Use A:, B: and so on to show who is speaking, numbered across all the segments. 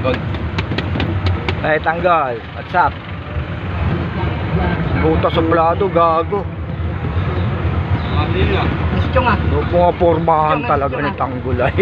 A: Gold.
B: Ay, Tanggol. What's up? Buta suplado, gago.
A: Mabili lang.
C: Gusto nga.
B: Mga pormahan talaga ni Tanggol ay.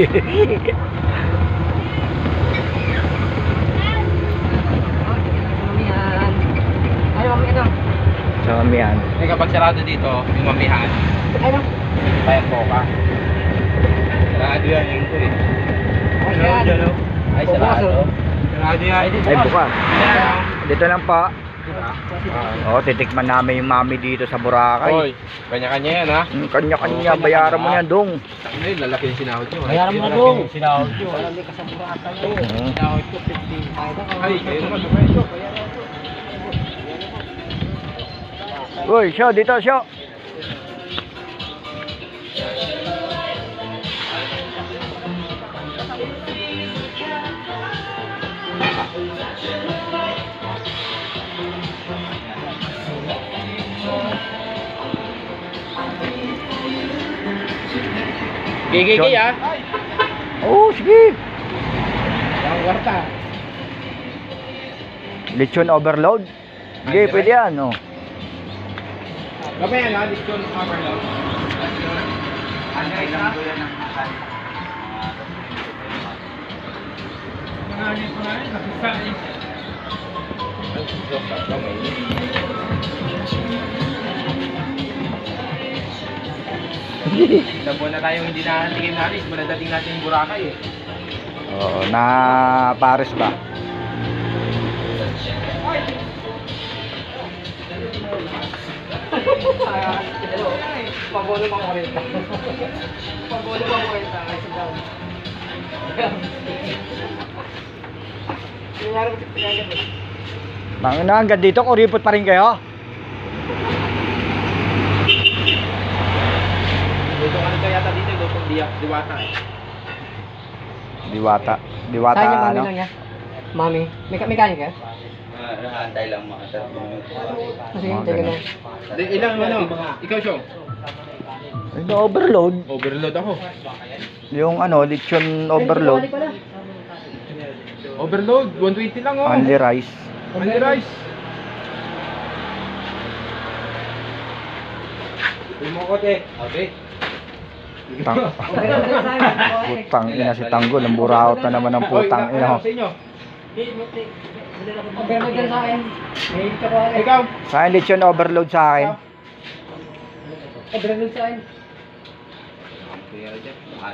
C: Mamihan. Ay, mami, ano?
B: Sa kamihan.
A: Eh kapag sarado dito, yung mamihan,
C: Ay, no?
A: kaya po ka. Sarado yan yung ito eh.
C: Ay, yan.
A: Ay, sarado. Sarado yan.
B: Ay, bukas.
A: Ayan.
B: Dito lang pa. Oh, titikman namin yung mami dito sa Boracay.
A: Oy, kanya-kanya yan ha.
B: Kanya-kanya, bayaran mo yan, dong.
A: Ay, lalaki yung sinahod nyo.
C: Bayaran mo na, dong. Sinahod nyo. Wala may kasaburatan yun.
A: Sinahod ko 15. Ay, kayo naman.
B: Uy, show, dito, show.
A: Gigigay ha.
B: Oh, sige.
A: Ang kwarta.
B: Lechon overload. Sige, pwede yan, oh.
A: Gabay yan ha, discount overload. Ay, lang doon ang Ilang buwan na tayong hindi natikim natin, manadating natin yung Boracay eh.
B: Oo, na Paris ba?
C: Hello. Pabolo pang 40. Pabolo pang 40. Ay, sundan. Nangyari ko sa pinagyan.
B: Na, hanggang dito, kuripot pa rin kayo?
A: Dito ka nagka yata dito, lutong diwata eh.
B: Diwata. Diwata,
C: Saan yung mami
B: ano?
C: lang niya? Mami. Mekanik ka?
A: Antay lang mga
C: Kasi
B: Mga
C: hintay ka
B: ganun.
C: na.
A: Ilang ano? Ikaw Syong?
B: Yung overload.
A: Overload ako.
B: Yung ano, lechon overload.
A: Overload, 120 lang oh.
B: Only rice.
A: Only rice. Umukote. Okay.
B: Tang putang ina si Tanggol. Ang buraot na naman ng putang ina.
A: Sa inyo?
C: Pero dyan sa akin. May ka pa.
A: Ikaw?
B: Sa akin, lechon overload sa akin.
C: Overload sa akin.
A: Okay,